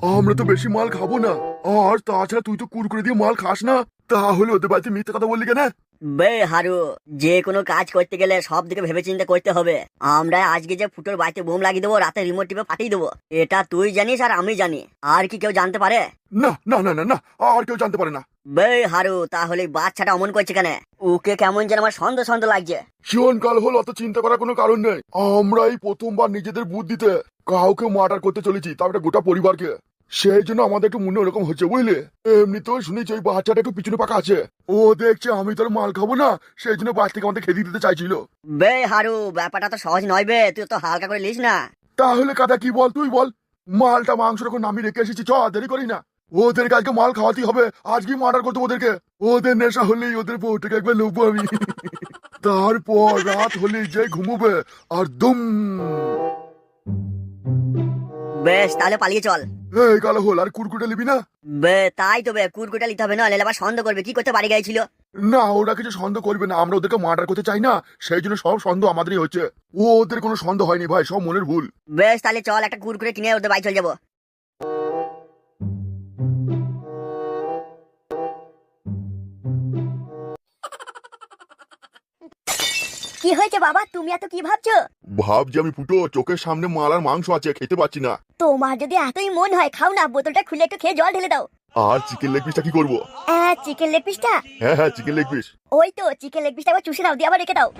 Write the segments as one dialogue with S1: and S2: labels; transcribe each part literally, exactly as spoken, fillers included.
S1: আমরা তো বেশি মাল খাবো না, আর তাছাড়া তুই তো কুরকুরে দিয়ে মাল খাস না, তাহলে ওদের বাড়িতে মিথ্যে কথা বললি কেন?
S2: বে হারু, যে কোনো কাজ করতে গেলে সব দিকে ভেবে চিন্তে করতে হবে। আমরা আজকে যে ফুটোর বাড়িতে বোম লাগিয়ে দেবো, রাতে রিমোট টিপে ফাটিয়ে দেবো, এটা তুই জানিস আর আমি জানি, আর কি কেউ জানতে পারে?
S1: না না না না না, আর কেউ জানতে পারে না।
S2: বে হারু, তাহলে বাচ্চাটা অমন করছে কেন? ওকে কেমন যেন আমার সন্দেহ সন্দেহ লাগছে।
S1: শোন কাল হল, অত চিন্তা করার কোনো কারণ নেই। আমরা এই প্রথমবার নিজেদের বুদ্ধিতে কাউকে মার্ডার করতে চলেছি, তাও একটা গোটা পরিবারকে। সেই জন্য আমাদের একটু মনে ওরকম হচ্ছে, বুঝলে? এমনিতেও শুনেছি ওই বাচ্চাটা একটু পিছনে পাকা আছে, ও দেখছে আমি তোর মাল খাবো না, সেই জন্য বাচ্চা থেকে আমাদের খেতে দিতে চাইছিল।
S2: বে হারু, ব্যাপারটা তো সহজ নয় বে, তুই তো হালকা করে লিস না।
S1: তাহলে কাদা কি বল, তুই বল। মালটা মাংস রকম নামিয়ে রেখে এসেছি, চ দেরি করি না। ওদেরকে আজকে মাল খাওয়াতেই হবে, আজকেই মার্ডার করতে ওদেরকে। ওদের নেশা হলেই ওদের বউটাকে একবার লোবো আমি। তারপর রাত হলেই যে ঘুমোবে আর দুম।
S2: বেশ, তাহলে পালিয়ে চল।
S1: এই কালো হল, আর কুরকুটে নিবি না?
S2: বে তাই তো বে, কুরকুটা নিতে হবে, না হলে আবার সন্দেহ করবে কি করতে বাড়ি গিয়েছিল।
S1: না, ওরা কিছু সন্দেহ করবে না, আমরা ওদেরকে মার্ডার করতে চাই না, সেই জন্য সব সন্দেহ আমাদেরই হচ্ছে। ও ওদের কোনো সন্দেহ হয়নি ভাই, সব মনের ভুল।
S2: বেশ, তাহলে চল একটা কুরকুরে কিনে ওদের বাড়ি চলে যাবো। কি হয়েছে বাবা, তুমি এত কি ভাবছো?
S1: ভাব যে আমি ফুটো, চোখের সামনে মাল আর মাংস আছে, খেতে পাচ্ছি না।
S2: তোমার যদি এতই মন হয় খাও না, বোতলটা খুলে একটু খেয়ে জল ঢেলে দাও।
S1: আর চিকেন লেগ পিসটা কি করবো?
S2: চিকেন লেগ পিসটা?
S1: হ্যাঁ হ্যাঁ, চিকেন লেগ পিস।
S2: ওই তো চিকেন লেগ পিসটা একবার চুষে নাও, দিয়ে আবার রেখে দাও।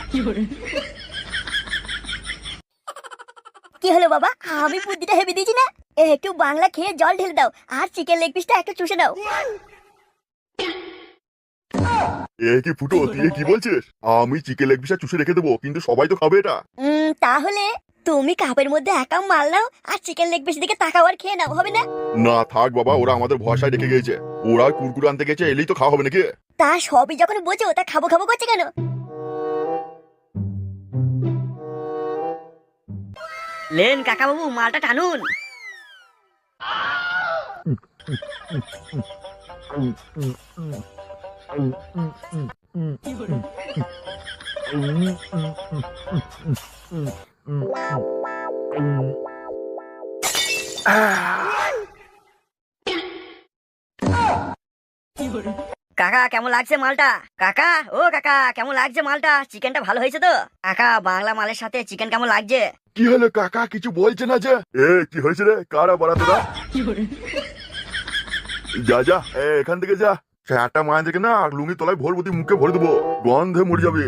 S2: কি হলো বাবা, আমি বুদ্ধিটা হেবি দিয়েছি না? একটু বাংলা খেয়ে জল ঢেলে দাও, আর চিকেন লেগ পিসটা একটু চুষে নাও।
S1: এ কি ফুটো, তুই কি বলছিস? আমি চিকেন লেগ পিসটা চুষে রেখে দেবো, কিন্তু সবাই তো খাবে এটা।
S2: উম, তাহলে তুমি কাপের মধ্যে একা মাল নাও, আর চিকেন লেগ পিস দিকে তাকাও আর খেয়ে নাও, হবে না?
S1: না থাক বাবা, ওরা আমাদের ভরসায় রেখে গেছে, ওরা কুরকুরে আনতে গেছে, এলেই তো খাওয়া হবে নাকি?
S2: তা সবই যখন বোঝো, তা খাবো খাবো করছে কেন? লেন কাকা বাবু, মালটা টানুন। কাকা কেমন লাগছে মালটা? কাকা, ও কাকা, কেমন লাগছে মালটা? চিকেনটা ভালো হয়েছে তো? কাকা, বাংলা মালের সাথে চিকেন কেমন লাগছে?
S1: কি হলো কাকা, কিছু বলছে না যে? এ কি হয়েছে রে, কারা বাড়া তোরা? যা যা, এ, এখান থেকে যা। একটা মায়ের থেকে না লুঙ্গি তলায় ভরবো, তুই মুখে ভরে দেবো, গন্ধে মরে যাবে।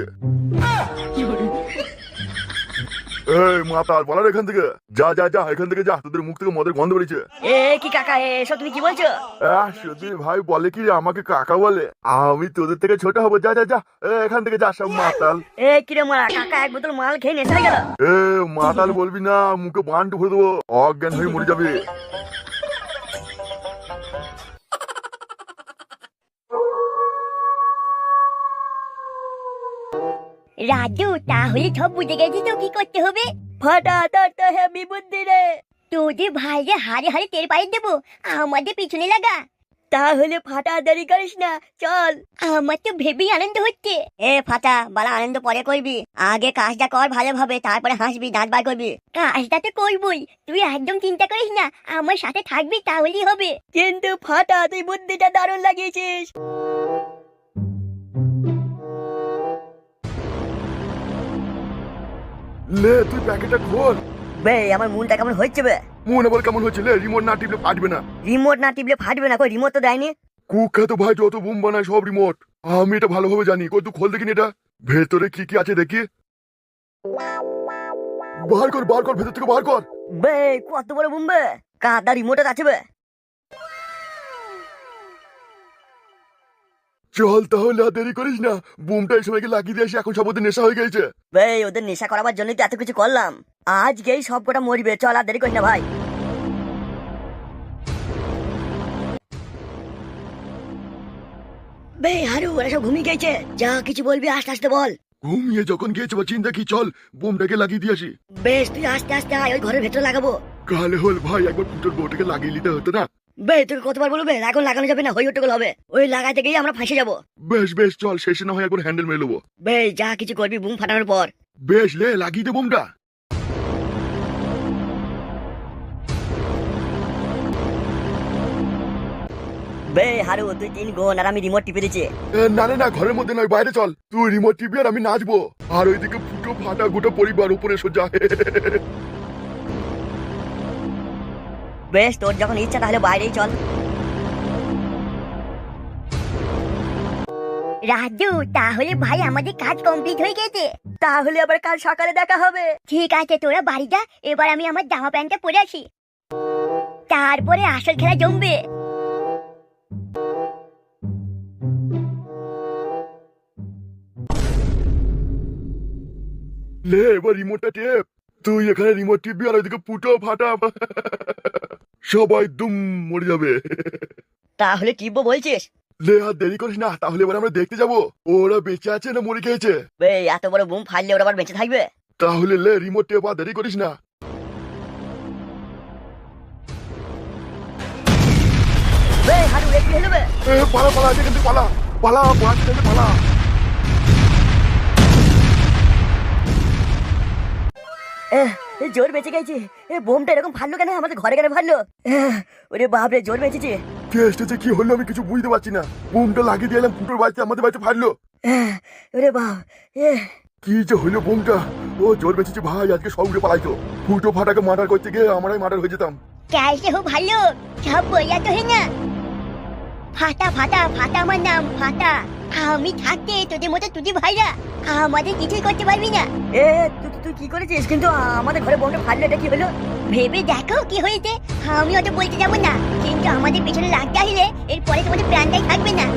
S1: এই মাতাল, বলার এখান থেকে যা যা যা, এখান থেকে যা, তোদের মুখ থেকে মদের গন্ধ বেরিয়েছে।
S2: এ কি কাকা, এসব তুমি কি বলছো?
S1: আহ, সুধীর ভাই বলে কি আমাকে কাকা বলে, আমি তোদের থেকে ছোট হবো, যা যা যা, এ, এখান থেকে যা সব মাতাল।
S2: এ কিরে মারা, কাকা এক বোতল মাল খেয়ে নেশা হয়ে গেল।
S1: এ মাতাল বলবি না, মুখে বান্টু ভরে দেবো, অজ্ঞান হয়ে মরে যাবে।
S2: রাজু, তাহলে সব বুঝে গেছি তো কি করতে হবে? ফাটা তোর তো হেভি বুদ্ধি রে। তোদের ভাইরে হারে হারে টের পাইয়ে দেবো, আমাদের পিছনে লাগা। তাহলে ফাটা দেরি করিস না, চল। আমার তো ভেবেই আনন্দ হচ্ছে। এ ফাটা, বালা আনন্দ পরে করবি, আগে কাজটা কর ভালোভাবে, তারপরে হাসবি, দাঁত বার করবি। কাজটা তো করবই, তুই একদম চিন্তা করিস না, আমার সাথে থাকবি তাহলেই হবে। কিন্তু ফাটা, তুই বুদ্ধিটা দারুণ লাগিয়েছিস।
S1: লে তুই প্যাকেটটা খোল।
S2: বে আমার মনটা কেমন হচ্ছে বে?
S1: মনে বল কেমন হচ্ছে? লে রিমোট না টিপলে ফাটবে না।
S2: রিমোট না টিপলে ফাটবে না? কই রিমোট তো দেয়নি।
S1: কুখ্যাত ভাই যত বুম বানায় সব রিমোট, আমি এটা ভালোভাবে জানি। কই তুই খোল দেখিনি এটা, ভেতরে কি কি আছে দেখি। বার কর বার কর, ভেতর থেকে বার কর।
S2: বে কত বড় বুম বে, কাদা রিমোটে আছে বে।
S1: চল তাহলে, আর দেরি করিস না, বুমটা এই সবাইকে লাগিয়ে দিয়ে আসি, এখন সব ওদের নেশা হয়ে গেছে।
S2: বে ওদের নেশা করাবার জন্যই তো এত কিছু করলাম, আজকেই সব কটা মরিবে, চল আর দেরি করিস না ভাই। বে হারু, ওরা সব ঘুমিয়ে গেছে, যা কিছু বলবি আস্তে আস্তে বল।
S1: ঘুমিয়ে যখন গিয়েছে বা চিন্তা কি, চল বুমটাকে লাগিয়ে দিয়ে আসি।
S2: বেশ, তুই আস্তে আস্তে আয়, ওই ঘরের ভেতরে লাগাবো।
S1: কালে হল ভাই, একবার পুটোর বউটাকে লাগিয়ে নিতে হতো না?
S2: বে তোকে কতবার বলবে, এখন লাগানো যাবে না, হই হট্টগোল হবে, ওই লাগাইতে গিয়ে আমরা ফাঁসে যাবো।
S1: বেশ বেশ, চল শেষে না হয় একবার হ্যান্ডেল মেরে নেবো।
S2: বে যা কিছু করবি বুম ফাটানোর পর।
S1: বেশ, লে লাগিয়ে দে বুমটা।
S2: বে হারু তুই তিন গুণ আর আমি রিমোট টিপে দিচ্ছি।
S1: এ, না না না ঘরের মধ্যে নয়, বাইরে চল। তুই রিমোট টিপি আর আমি নাচবো, আর ওইদিকে ফুটো ফাটা গোটা পরিবার উপরে সোজা।
S2: বেশ তোর যখন ইচ্ছা তাহলে বাইরেই চল। রাজু তাহলে ভাই আমাদের কাজ কমপ্লিট হয়ে গেছে, তাহলে আবার কাল সকালে দেখা হবে। ঠিক আছে তোরা বাড়ি যা, এবার আমি আমার জামা প্যান্টটা পরে আসি, তারপরে আসল খেলা জমবে।
S1: লে এবার রিমোটটা টেপ। তুই এখানে রিমোট টিপবি আর ওইদিকে ফুটো ফাটা সবাই দুম মরে যাবে।
S2: তাহলে টিপবো বলছিস?
S1: লে আর দেরি করিস না, তাহলে এবার আমরা দেখতে যাবো ওরা বেঁচে আছে না মরে গেছে।
S2: বে এত বড় বুম ফাড়লে ওরা আবার বেঁচে থাকবে?
S1: তাহলে লে রিমোট টেপ, আর দেরি করিস না।
S2: বে হারু একটু হেলো বে।
S1: এ পালা পালা, এখান থেকে পালা পালা, বাঁচ থেকে পালা।
S2: এহ, এ জোর বেঁচে গেছে। এ বোমটা এরকম ফাড়লো কেন আমাদের ঘরে কেন ফাড়লো? এহ, ওরে বাপরে জোর বেঁচেছে।
S1: কে এসেছে কি হলো আমি কিছু বুঝতে পারছি না। বুমটা লাগিয়ে দিলাম, ফুটোর বাড়িতে আমাদের বাড়িতে ফাটলো।
S2: এহ, ওরে বাপ এ
S1: কি যে হইলো বুমটা। ও জোর বেঁচেছে ভাই, আজকে সব উড়ে পালাইতো। ফুটো ফাটাকে মার্ডার করতে গিয়ে আমরাই মার্ডার হয়ে যেতাম।
S2: कैसे हो भालो सब बोला तो है ना। ফাটা ফাটা ফাটা আমার নাম ফাটা। আমি থাকতে তোদের মতো তুই ভাইরা আমাদের কিছুই করতে পারবি না। এ তুই তুই কি করেছিস? কিন্তু আমাদের ঘরে বোমটা ফাটলো, এটা কি হলো? ভেবে দেখো কি হয়েছে। আমি ওটা বলতে যাবো না, কিন্তু আমাদের পিছনে লাগতে আসলে এরপরে তোমাদের প্রাণটাই থাকবে না।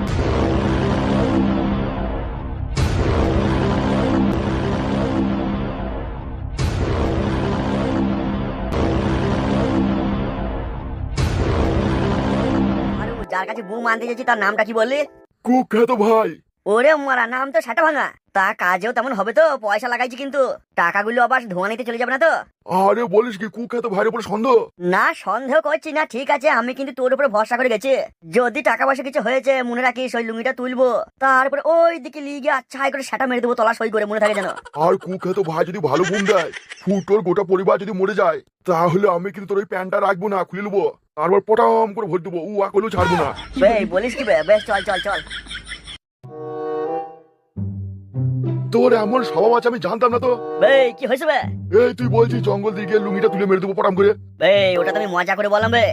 S2: যার কাছে বুম আনতে যাচ্ছি তার নামটা কি বললি?
S1: কুখ্যাত ভাই।
S2: ওরে মারা নাম তো সাটা ভাঙা। তা কাজেও তেমন হবে তো? পয়সা লাগাইছি কিন্তু টাকাগুলো আবার ধোঁয়া নিতে চলে যাবে না তো?
S1: আরে বলিস কি, কুখ্যাত ভাইয়ের উপর সন্দেহ?
S2: না সন্দেহ করছি না, ঠিক আছে আমি কিন্তু তোর উপরে ভরসা করে গেছি। যদি টাকা পয়সা কিছু হয়েছে মনে রাখিস ওই লুঙ্গিটা তুলবো, তারপরে ওই দিকে লিগে আচ্ছা করে সেটা মেরে দেবো, তলা সই করে, মনে থাকে যেন।
S1: আর কুখ্যাত ভাই যদি ভালো বুম দেয়, ফুটোর গোটা পরিবার যদি মরে যায়, তাহলে আমি কিন্তু তোর ওই প্যান্টটা রাখবো না, খুলে নেবো, তারপর পটাম করে ভরে দেবো, উ আকলেও ছাড়বো না।
S2: বেশ বলিস কি বে? বেশ চল চল চল।
S1: তোর এমন স্বভাব আছে আমি জানতাম না তো।
S2: বে কি হয়েছে বে?
S1: এই তুই বলছিস জঙ্গল দিকে লুঙ্গিটা তুলে মেরে দেবো পটাম করে।
S2: বে ওটা তুমি মজা করে বললাম বে।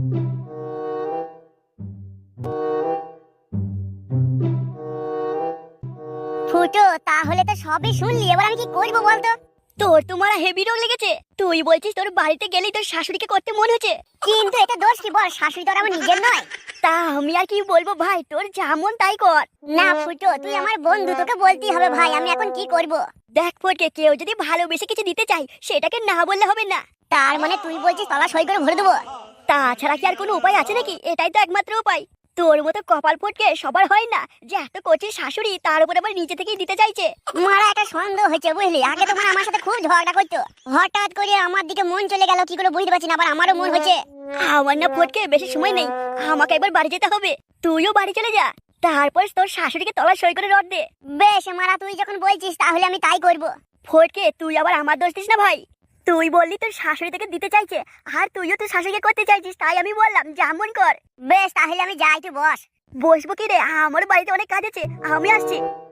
S2: ফুটো তাহলে তো সবই শুনলি, এবার আমি কি করবো বলতো? তোর তোমার হেভি রোগ লেগেছে। তুই বলছিস তোর বাড়িতে গেলেই তোর শাশুড়িকে করতে মন হচ্ছে, কিন্তু এটা দোষ কি বল? শাশুড়ি তো আমার নিজের নয়। তা আমি আর কি বলবো ভাই, তোর যেমন তাই কর না। ফুটো তুই আমার বন্ধু, তোকে বলতেই হবে ভাই, আমি এখন কি করব? দেখ ফটকে, কেউ যদি ভালোবেসে কিছু দিতে চাই সেটাকে না বললে হবে না। তার মানে তুই বলছিস তলা সই করে ভরে দেবো? তাছাড়া কি আর কোনো উপায় আছে নাকি? এটাই তো একমাত্র উপায়। তোর মতো কপাল ফটকে সবার হয় না যে এত করছিস শাশুড়ি, তার উপর আবার নিজে থেকেই দিতে চাইছে। মারা একটা সন্দেহ হচ্ছে বুঝলি, আগে তো মানে আমার সাথে খুব ঝগড়া করতো, হঠাৎ করে আমার দিকে মন চলে গেল, কি করে বুঝতে পারছি না, আবার আমারও মন হচ্ছে। আমার না ফটকে বেশি সময় নেই, আমাকে একবার বাড়ি যেতে হবে, তুইও বাড়ি চলে যা, তারপর তোর শাশুড়িকে তলা সই করে রড দে। বেশ মারা তুই যখন বলছিস তাহলে আমি তাই করব। ফটকে তুই আবার আমার দোষ দিস না ভাই, তুই বললি তোর শাশুড়ি থেকে দিতে চাইছে, আর তুইও তোর শাশুড়িকে করতে চাইছিস, তাই আমি বললাম যেমন কর। বেশ তাহলে আমি যাই, তুই বস। বসবো কি রে, আমার বাড়িতে অনেক কাজ আছে, আমি আসছি।